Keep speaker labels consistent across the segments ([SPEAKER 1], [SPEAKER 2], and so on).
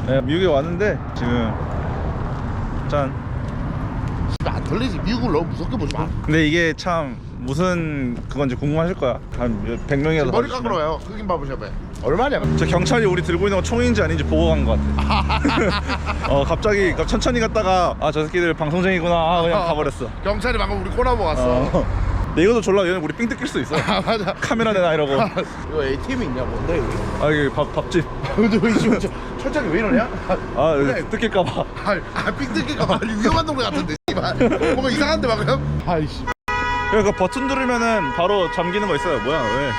[SPEAKER 1] 네, 미국에 왔는데 지금 짠.
[SPEAKER 2] 안 털리지. 미국을 너무 무섭게 보지 마.
[SPEAKER 1] 근데 이게 참 무슨 그건지 궁금하실 거야. 한 100명이라도
[SPEAKER 2] 머리 깎으러 와요. 흑인 바보샵에. 얼마냐?
[SPEAKER 1] 저 경찰이 우리 들고 있는 거 총인지 아닌지 보고 간 것 같아. 갑자기 천천히 갔다가 아 저 새끼들 방송쟁이구나 그냥 가버렸어.
[SPEAKER 2] 경찰이 방금 우리 꼬나보 왔어.
[SPEAKER 1] 근데 이것도 졸라 얘는 우리 삥 뜯길 수도 있어.
[SPEAKER 2] 아 맞아.
[SPEAKER 1] 카메라 내놔 이러고.
[SPEAKER 2] 이거 ATM 있냐 뭔데 여기?
[SPEAKER 1] 아 이게 밥집.
[SPEAKER 2] 근데 왜 지금 철저하게 왜 이러냐?
[SPEAKER 1] 아
[SPEAKER 2] 그래.
[SPEAKER 1] 뜯길까봐.
[SPEAKER 2] 삥 뜯길까봐 위험한 동네 같은데 씨발. 뭔가 이상한데 방금? 아이씨.
[SPEAKER 1] 그러니까 버튼 누르면은 바로 잠기는 거 있어요. 뭐야 왜?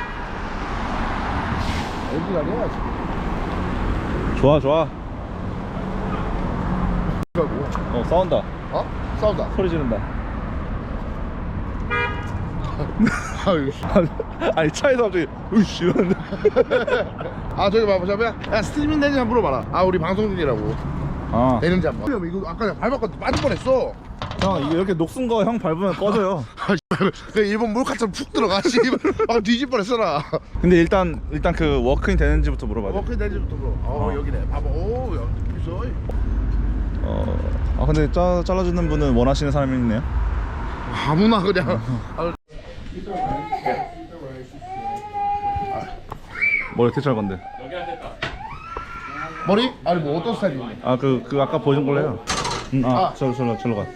[SPEAKER 2] 여기 아니야
[SPEAKER 1] 좋아 좋아.
[SPEAKER 2] 지금.
[SPEAKER 1] 싸운다.
[SPEAKER 2] 어? 싸우다.
[SPEAKER 1] 소리 지른다.
[SPEAKER 2] 아이씨.
[SPEAKER 1] 아니 차에서 갑자기 으이씨 이러는데.
[SPEAKER 2] 아 저기 바보샵이야? 야 스트리밍 되는지 한번 물어봐라. 아 우리 방송 중이라고.
[SPEAKER 1] 아
[SPEAKER 2] 되는지 한번. 이거 아까 내가 밟았거든. 빠질 뻔했어.
[SPEAKER 1] 형 이게 이렇게 녹슨 거 형 밟으면 꺼져요.
[SPEAKER 2] 그 일본 몰카처럼 푹 들어가. 씨발. 막 뒤질 뻔했어라.
[SPEAKER 1] 근데 일단 그 워크인 되는지부터 물어봐야 돼.
[SPEAKER 2] 워크인 되는지부터 물어. 여기네. 봐봐. 오, 야 느낌 있어.
[SPEAKER 1] 근데 잘라주는 분은 원하시는 사람이 있네요.
[SPEAKER 2] 아무나 그냥.
[SPEAKER 1] 뭘 어떻게 잘 건데?
[SPEAKER 2] 머리? 아니 뭐 어떤 스타일이니?
[SPEAKER 1] 그 아까 보여준 걸로 해요. 절로 가.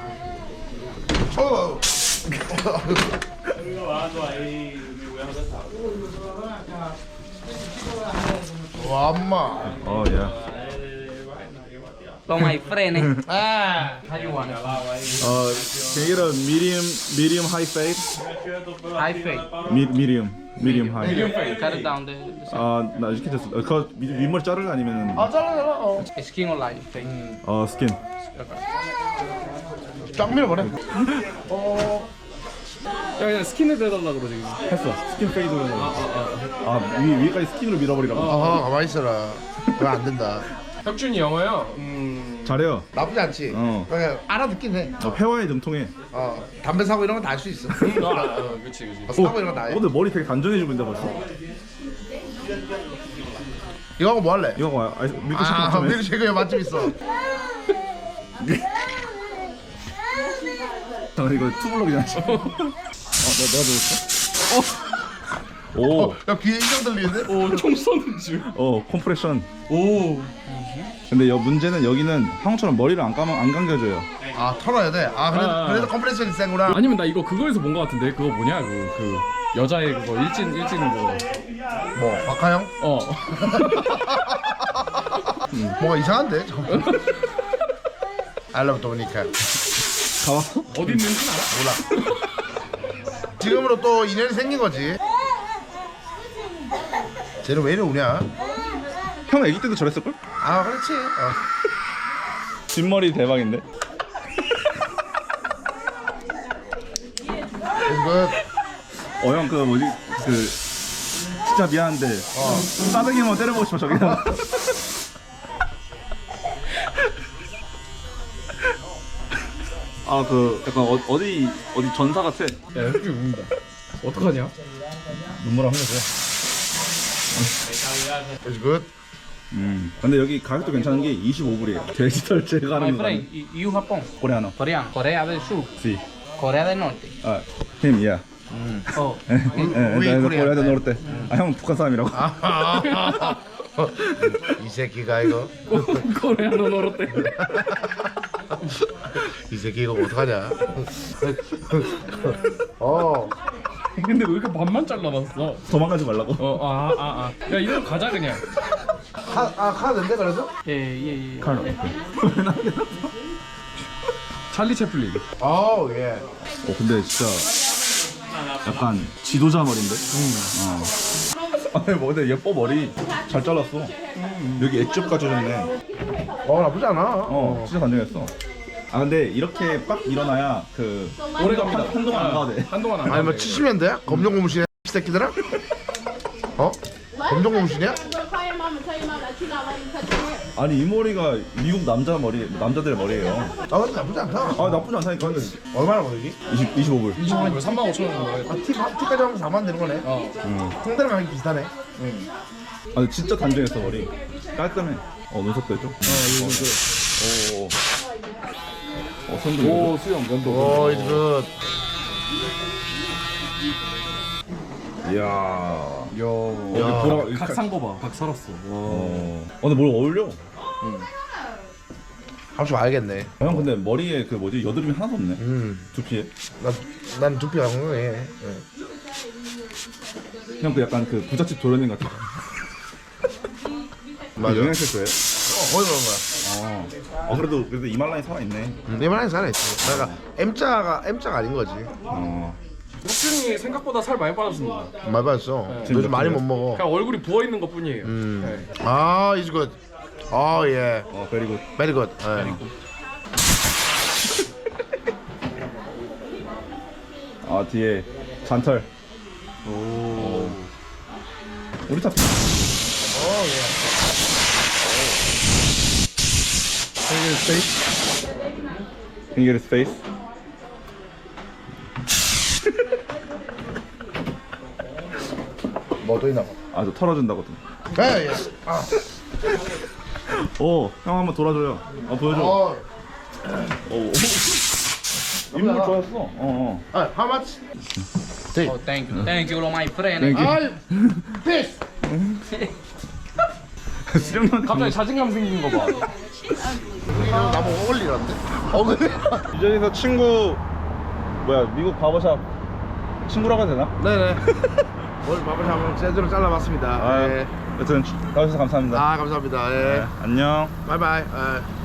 [SPEAKER 3] Wow,
[SPEAKER 2] 엄마.
[SPEAKER 1] 예.
[SPEAKER 3] con mày friend ấy.
[SPEAKER 2] 아.
[SPEAKER 3] How you want it?
[SPEAKER 1] Can you get a medium high fade?
[SPEAKER 3] High fade.
[SPEAKER 1] medium high.
[SPEAKER 3] Cut it down there.
[SPEAKER 1] 나 이렇게 됐어. 그 윗머리 자를래 아니면은
[SPEAKER 2] 잘라.
[SPEAKER 3] Skin or light fade.
[SPEAKER 1] 스킨.
[SPEAKER 2] 쫙 밀어버려.
[SPEAKER 4] 그냥 스킨을 빼달라 그러지.
[SPEAKER 1] 했어. 스킨 페이드로. 위에까지 스킨으로 밀어버리라고.
[SPEAKER 2] 가만히 있어라. 그거 안 된다.
[SPEAKER 4] 혁준이 영어요.
[SPEAKER 1] 잘해요.
[SPEAKER 2] 나쁘지 않지. 그냥 알아듣긴 해.
[SPEAKER 1] 회화에 능통해.
[SPEAKER 2] 담배 사고 이런 건 다 할 수 있어.
[SPEAKER 4] 그렇지.
[SPEAKER 2] 사고 이런 건 다 해.
[SPEAKER 1] 근데 머리 되게 단정해지고 있다 벌써.
[SPEAKER 2] 이거 하고 뭐 할래?
[SPEAKER 1] 이거 봐. 밀크쉐이크 좀 해.
[SPEAKER 2] 밀크쉐이크에 맛집 있어.
[SPEAKER 1] 잠깐 이거 투블럭이잖아. 내가 들었어? 오.
[SPEAKER 2] 야 귀에 인형 들리는데?
[SPEAKER 4] 오, 총 쏘는 줄.
[SPEAKER 1] 컴프레션.
[SPEAKER 4] 오.
[SPEAKER 1] 근데 문제는 여기는 형처럼 머리를 안 감겨줘요.
[SPEAKER 2] 털어야 돼. 그래도 컴프레션이 센구나.
[SPEAKER 4] 아니면 나 이거 그거에서 본 거 같은데. 그거 뭐냐? 그 여자의 그거 일진 그거.
[SPEAKER 2] 뭐 박하영? 뭐가 이상한데? I love Dominica.
[SPEAKER 1] 가봤어?
[SPEAKER 4] 어디 있는지 알아?
[SPEAKER 2] 몰라. 지금으로 또 인연이 생긴 거지. 쟤는 왜 이리 우냐?
[SPEAKER 1] 형 아기 때도 저랬을걸?
[SPEAKER 2] 그렇지.
[SPEAKER 1] 뒷머리 대박인데?
[SPEAKER 2] 이거
[SPEAKER 1] 형 진짜 미안한데 싸대기만 때려보고 싶어 저기다. 약간 어디 전사 같아.
[SPEAKER 4] 야, 혁준이 운다. 어떡하냐?
[SPEAKER 1] 눈물 한 거죠.
[SPEAKER 2] is good.
[SPEAKER 1] 근데 여기 가격도 괜찮은 게 25불이에요. 디지털
[SPEAKER 3] My
[SPEAKER 1] 제거하는 거.
[SPEAKER 3] friend, you Japón.
[SPEAKER 1] 코레아노.
[SPEAKER 3] Coreano. Corea del Sur.
[SPEAKER 1] Sí.
[SPEAKER 3] Corea del Norte.
[SPEAKER 1] him, yeah.
[SPEAKER 3] Oh.
[SPEAKER 1] 코레아 del 노르테. 형 북한 사람이라고.
[SPEAKER 2] 이 새끼가 이거.
[SPEAKER 4] 코레아노 노르테.
[SPEAKER 2] 이 새끼 이거 어떡하냐?
[SPEAKER 4] 근데 왜 이렇게 반만 잘라놨어?
[SPEAKER 1] 도망가지 말라고.
[SPEAKER 4] 야, 이대로 가자 그냥.
[SPEAKER 2] 카드인데 그래서?
[SPEAKER 3] Yeah.
[SPEAKER 1] 칼로.
[SPEAKER 4] 찰리 채플린.
[SPEAKER 2] 예.
[SPEAKER 1] 근데 진짜 약간 지도자 머리인데? 근데 예뻐 머리 잘 잘랐어. 여기 엣지까지 해줬네.
[SPEAKER 2] 나쁘지 않아.
[SPEAKER 1] 진짜 단정했어. 근데 이렇게 빡 일어나야
[SPEAKER 4] 오래 갑니다.
[SPEAKER 1] 한동안 안 가도 돼.
[SPEAKER 4] 한동안 안
[SPEAKER 2] 아니 뭐
[SPEAKER 4] 가도 돼.
[SPEAKER 2] 70년대야? 검정 고무신이야 이 새끼들아? 검정 고무신이야?
[SPEAKER 1] 아니 이 머리가 미국 남자들 머리예요.
[SPEAKER 2] 근데 나쁘지 않다.
[SPEAKER 1] 나쁘지 않다니까. 근데
[SPEAKER 2] 얼마나 거기?
[SPEAKER 1] 25불.
[SPEAKER 4] 25만 35,000원 정도.
[SPEAKER 2] 티까지 하면 4만 되는 거네. 홍대랑 가격이 비슷하네.
[SPEAKER 1] 근데 진짜 단정했어 머리. 깔끔해. 눈썹도 해줘. 손도.
[SPEAKER 4] 오 수영 면도.
[SPEAKER 2] 오 이제 그
[SPEAKER 1] 이야.
[SPEAKER 4] 야. 보라 각산 거 봐. 각 살았어.
[SPEAKER 1] 근데 뭘 어울려?
[SPEAKER 2] 한번 알겠네.
[SPEAKER 1] 형 근데 머리에 그 뭐지 여드름이 하나도 없네. 두피에.
[SPEAKER 2] 난 두피가 건강해.
[SPEAKER 1] 형 그 약간 그 부잣집 도련님 같아.
[SPEAKER 2] 맞아.
[SPEAKER 1] 영양실 거예요?
[SPEAKER 2] 거의 그런 거야.
[SPEAKER 1] 그래도 이말라인 살아 있네.
[SPEAKER 2] 내 말에 살아있어. 내가 M자가 아닌 거지.
[SPEAKER 4] 혁준이 생각보다 살 많이 빠졌습니다.
[SPEAKER 2] 말 받았어. 요즘 많이 못 먹어.
[SPEAKER 4] 그냥 얼굴이 부어 있는 것 뿐이에요. 네.
[SPEAKER 2] 아 이제 굿. 어 예.
[SPEAKER 1] 베리굿.
[SPEAKER 2] 베리 굿.
[SPEAKER 1] 뒤에 잔털. 우리 탑. Can you get his face?
[SPEAKER 2] 뭐또 있나 봐.
[SPEAKER 1] 저 털어준다거든.
[SPEAKER 2] 예 예.
[SPEAKER 1] 형 한번 돌아줘요. 보여줘. 인물 좋았어.
[SPEAKER 2] How much?
[SPEAKER 3] Oh, thank you, my friend.
[SPEAKER 2] 아, this.
[SPEAKER 1] 수령님한테
[SPEAKER 4] 갑자기 자신감 생긴 거 봐.
[SPEAKER 2] 나보고 어울리란데? 그래?
[SPEAKER 1] 유전에서 친구 미국 바버샵 친구라고 해야 되나?
[SPEAKER 2] 네네. 오늘 밥을 한번 제대로 잘라봤습니다. 예.
[SPEAKER 1] 여튼 나와주셔서 감사합니다.
[SPEAKER 2] 감사합니다. 예.
[SPEAKER 1] 안녕.
[SPEAKER 2] 바이바이. 예.